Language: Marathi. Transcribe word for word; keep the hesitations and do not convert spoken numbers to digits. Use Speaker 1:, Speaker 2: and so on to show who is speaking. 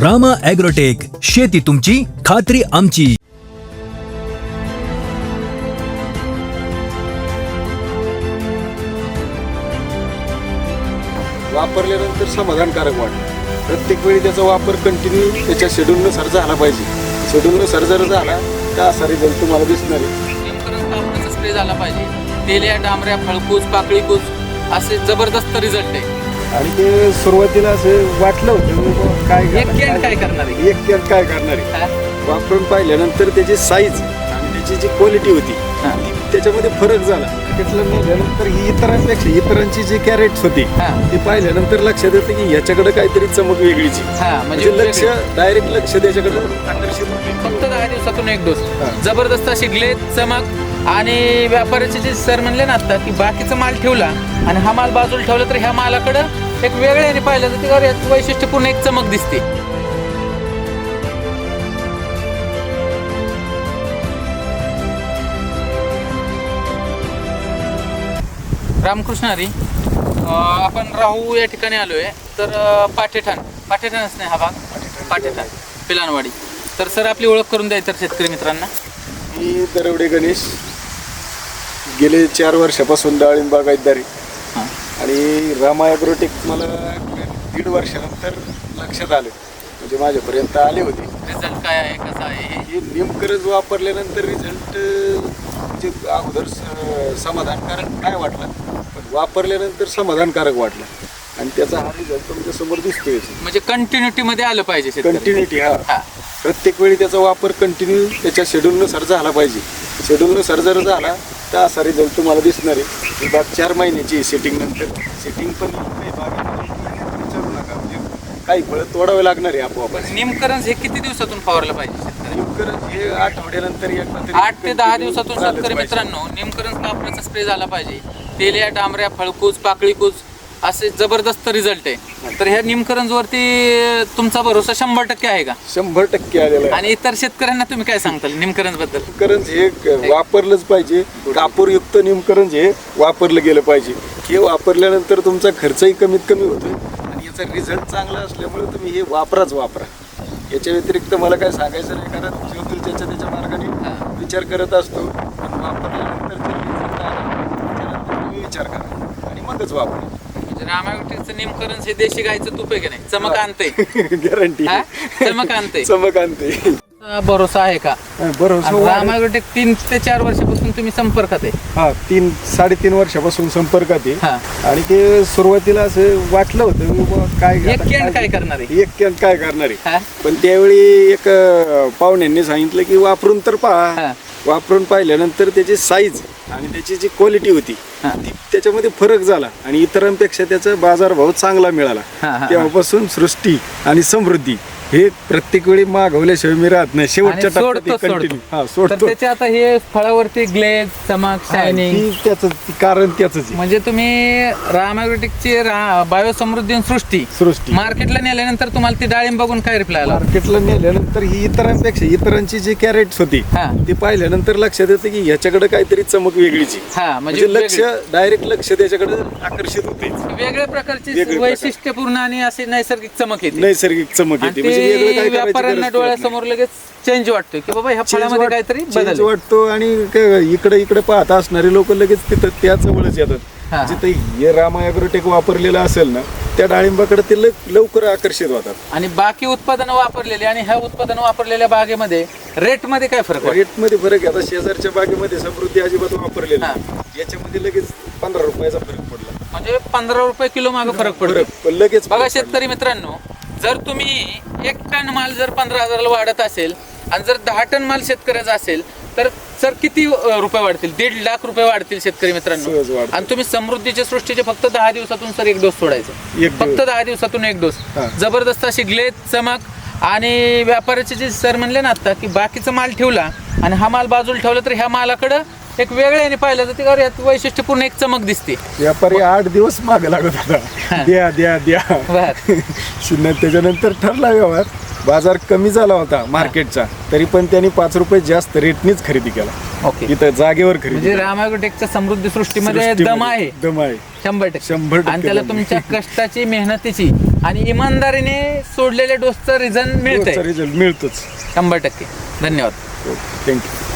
Speaker 1: रामा ॲग्रोटेक, शेती तुमची, खात्री आमची.
Speaker 2: वापरल्यानंतर समाधानकारक वाटतं. प्रत्येक वेळी त्याचा वापर कंटिन्यू त्याच्या शेड्यूलनुसार झाला पाहिजे. शेड्यूलनुसार जर झाला तर असा रिझल्ट तुम्हाला दिसणार आहे.
Speaker 3: नेमकं कापडाचा स्प्रे झाला पाहिजे. तेल्या, डांबऱ्या, फळकूस, पाकळीकूस असे जबरदस्त रिझल्ट आहे.
Speaker 2: आणि ते सुरुवातीला असं वाटलं होतं की बुवा काय
Speaker 3: एक कॅन काय करणार आहे?
Speaker 2: एक कॅन काय करणार आहे.
Speaker 3: हा?
Speaker 2: वापरून पाहिल्यानंतर त्याची साईज आणि त्याची जी क्वालिटी होती
Speaker 3: हा.
Speaker 2: ती त्याच्यामध्ये फरक झाला. मार्केटला नेल्यानंतर ही इतरांपेक्षा इतरांची जी कॅरेट्स होती
Speaker 3: हा.
Speaker 2: ती पाहिल्यानंतर लक्षात येतं की ह्याच्याकडे काहीतरी चमक वेगळीची.
Speaker 3: हा,
Speaker 2: म्हणजे लक्ष डायरेक्ट लक्ष त्याच्याकडे आकर्षित होते.
Speaker 3: फक्त दहा दिवसातून एक डोस.
Speaker 2: हा.
Speaker 3: जबरदस्त अशी ग्लेज, चमक. आणि व्यापाऱ्याचे जे सर म्हणले ना आता की बाकीचा माल ठेवला आणि हा माल बाजूला ठेवला तर ह्या मालाकडं एक वेगळ्याने पाहिलं तर त्यावर यात वैशिष्ट्यपूर्ण एक चमक दिसते. रामकृष्ण हरी. अं, आपण राहू या ठिकाणी आलोय तर अं, पाठेठाण पाठेठाणच नाही हा भाग पाठेठाण पिलानवाडी. तर सर आपली ओळख करून द्यायचं शेतकरी मित्रांना.
Speaker 2: मी दरवडे गणेश, गेले चार वर्षापासून डाळिंब बागायतदारी
Speaker 3: हां.
Speaker 2: आणि रामा ॲग्रोटेक मला दीड वर्षानंतर लक्षात आले, म्हणजे माझ्यापर्यंत आले होते.
Speaker 3: रिझल्ट काय आहे, कसा आहे हे?
Speaker 2: हे नेमकंच वापरल्यानंतर रिझल्ट म्हणजे अगोदर स- समाधानकारक काय वाटला, पण वापरल्यानंतर समाधानकारक वाटला आणि त्याचा हा रिझल्ट तुमच्या समोर दिसतोय.
Speaker 3: म्हणजे कंटिन्युटी मध्ये आलं पाहिजे शेतकरी.
Speaker 2: कंटिन्युटी हा
Speaker 3: हा.
Speaker 2: प्रत्येक वेळी त्याचा वापर कंटिन्यू त्याच्या शेड्यूलनुसार झाला पाहिजे. शेड्यूलनुसार जर झाला तर असा रिझल्ट तुम्हाला दिसणार आहे. ही बाग चार महिन्याची सेटिंग नंतर सेटिंग पण काही बागेमध्ये विचारू नका, म्हणजे काही फळं तोडावे लागणार आहे आपोआप.
Speaker 3: निमकरंज हे किती दिवसातून फवारलं पाहिजे शेतकरी?
Speaker 2: नेमकं हे आठवड्यानंतर एकदा तरी
Speaker 3: आठ ते दहा दिवसातून
Speaker 2: झालंच
Speaker 3: शेतकरी
Speaker 2: पाहिजे.
Speaker 3: मित्रांनो निमकरंज कापडाचा स्प्रे झाला पाहिजे. तेल्या, डांबऱ्या, फळकूस, पाकळीकूस असे जबरदस्त रिझल्ट आहे. तर ह्या निमकरंज वरती तुमचा भरोसा शंभर टक्के आहे का?
Speaker 2: शंभर टक्के आलेला आहे.
Speaker 3: आणि इतर शेतकऱ्यांना तुम्ही काय सांगताल निमकरंज बद्दल?
Speaker 2: निमकरंज हे क- वापरलंच पाहिजे. कापूरयुक्त निमकरंज हे वापरलं गेलं पाहिजे. हे वापरल्यानंतर तुमचा खर्चही कमीत कमी होतो आणि याचा रिझल्ट चांगला असल्यामुळे तुम्ही हे वापराच वापरा. याच्या व्यतिरिक्त मला काय सांगायचं नाही, कारण जीवतील त्याच्या त्याच्या मार्गाने विचार करत असतो. पण वापरल्यानंतर जे result आला, त्याच्यानंतर तुम्ही विचार करा आणि मगच वापरा.
Speaker 3: म्हणजे रामायगडचं निमकरंज हे देशी गायचं तूप आहे की नाही? चमक आणते.
Speaker 2: गॅरंटी
Speaker 3: हा? चमक आणते.
Speaker 2: चमक आणते.
Speaker 3: भरोसा आहे का?
Speaker 2: बरोबर.
Speaker 3: रामायगड तीन ते चार वर्षापासून तुम्ही संपर्कात आहे.
Speaker 2: हा, तीन साडेतीन वर्षापासून संपर्कात आहे.
Speaker 3: हा.
Speaker 2: आणि ते सुरुवातीला असं वाटलं होतं की बुवा काय
Speaker 3: एक कॅन काय करणार आहे?
Speaker 2: एक कॅन काय करणार आहे.
Speaker 3: हा?
Speaker 2: पण त्यावेळी एक अं, पाहुण्यांनी सांगितलं की वापरून तर पहा.
Speaker 3: हा.
Speaker 2: वापरून पाहिल्यानंतर त्याची साईज आणि त्याची जी क्वालिटी होती
Speaker 3: हा.
Speaker 2: ती त्याच्यामध्ये फरक झाला आणि इतरांपेक्षा त्याचा बाजारभाव चांगला मिळाला.
Speaker 3: हा, हा, हा.
Speaker 2: तेव्हापासून सृष्टी आणि समृद्धी हे प्रत्येक वेळी मागवल्याशिवाय मी राहत नाही. शेवटच्या
Speaker 3: आणि सोडतो,
Speaker 2: टप्प्यात
Speaker 3: सोडतो.
Speaker 2: कंटिन्यू हा
Speaker 3: तर
Speaker 2: सोडतो.
Speaker 3: त्याचे आता हे फळावरती ग्लेज, चमक, शायनिंग
Speaker 2: ही त्याचं कारण त्याच आहे.
Speaker 3: म्हणजे तुम्ही रामायग्रोटेकची बायोसमृद्धी आणि सृष्टी
Speaker 2: सृष्टी
Speaker 3: मार्केटला नेल्यानंतर तुम्हाला ती डाळिंब बघून काय रिप्लाय आला?
Speaker 2: मार्केटला नेल्यानंतर ही इतरांपेक्षा इतरांची जी कॅरेट्स होती
Speaker 3: हा.
Speaker 2: ती पाहिल्यानंतर लक्षात येतं की ह्याच्याकडे काहीतरी चमक वेगळीची.
Speaker 3: हा, म्हणजे
Speaker 2: म्हणजे लक्ष डायरेक्ट लक्ष त्याच्याकडे आकर्षित होते.
Speaker 3: वेगळ्या- वेगळ्या प्रकारची
Speaker 2: वेगळे प्रकार.
Speaker 3: वैशिष्ट्यपूर्ण आणि अशी नैसर्गिक चमक येते.
Speaker 2: नैसर्गिक चमक
Speaker 3: आणि
Speaker 2: येते. म्हणजे वेगळं
Speaker 3: ते
Speaker 2: काय करायची
Speaker 3: व्यापाऱ्यांना
Speaker 2: गरज पडत नाही.
Speaker 3: डोळ्यासमोर लगेच चेंज वाटतोय की बाबा ह्या
Speaker 2: Change
Speaker 3: फळामध्ये
Speaker 2: वाट-
Speaker 3: काहीतरी
Speaker 2: change
Speaker 3: बदल आहे.
Speaker 2: वाटतो आणि क- इकडे इकडे पाहता असणारे लोक लगेच तिथं त्या जवळच
Speaker 3: हा.
Speaker 2: येतात. जिथे हे रामा ॲग्रोटेक वापरलेलं असेल ना त्या डाळिंबाकडे ते लव- लवकर आकर्षित होतात.
Speaker 3: आणि बाकी उत्पादनं वापरलेली आणि ह्या उत्पादनं वापरलेल्या बागेमध्ये रेट मध्ये काय फरक वाटतो?
Speaker 2: रेट मध्ये फरक आहे. आता शेजारच्या बागेमध्ये समृद्धी अजिबात वापरलेलं
Speaker 3: हा.
Speaker 2: नाही. याच्यामध्ये लगेच पंधरा रुपयाचा फरक पडला.
Speaker 3: म्हणजे पंधरा रुपये किलो मागे फरक पडतो.
Speaker 2: फरक पण लगेच
Speaker 3: बघा
Speaker 2: फरक पडला.
Speaker 3: शेतकरी मित्रांनो, जर तुम्ही एक टन माल जर पंधरा हजाराला वाढत असेल आणि जर दहा टन माल शेतकऱ्याचा असेल तर सर किती अं, रुपये वाढतील? दीड लाख रुपये वाढतील शेतकरी मित्रांनो.
Speaker 2: सहज वाढतील.
Speaker 3: आणि तुम्ही समृद्धीच्या सृष्टीचे फक्त दहा दिवसातून सर एक डोस सोडायचा.
Speaker 2: एक
Speaker 3: फक्त
Speaker 2: दिवस.
Speaker 3: दहा दिवसातून एक डोस.
Speaker 2: हा.
Speaker 3: जबरदस्त अशी ग्लेज, चमक. आणि व्यापाऱ्याचे जे सर म्हणले ना आता की बाकीचा माल ठेवला आणि हा माल बाजूला ठेवला तर ह्या मालाकडं एक वेगळ्याने पाहिलं तर त्यावर यात वैशिष्ट्यपूर्ण एक चमक दिसते.
Speaker 2: व्यापारी आठ दिवस मागे लागत होता, द्या द्या द्या.
Speaker 3: बर.
Speaker 2: शून्य त्याच्यानंतर ठरला व्यवहार. बाजार कमी झाला होता मार्केटचा, तरी पण त्यांनी पाच रुपये जास्त रेटनीच खरेदी केला.
Speaker 3: ओके.
Speaker 2: इथं जागेवर खरेदी
Speaker 3: म्हणजे
Speaker 2: केला.
Speaker 3: रामायग्रोटेकच्या समृद्धी सृष्टीमध्ये
Speaker 2: सृष्टीमध्ये
Speaker 3: दम आहे.
Speaker 2: दम आहे
Speaker 3: शंभर टक्के
Speaker 2: शंभर टक्के
Speaker 3: आणि त्याला
Speaker 2: दम.
Speaker 3: तुमच्या कष्टाची, मेहनतीची आणि इमानदारीने सोडलेल्या डोसचं रिझन मिळतंय
Speaker 2: रिझल्ट मिळतोच.
Speaker 3: शंभर टक्के. धन्यवाद.
Speaker 2: थँक्यू.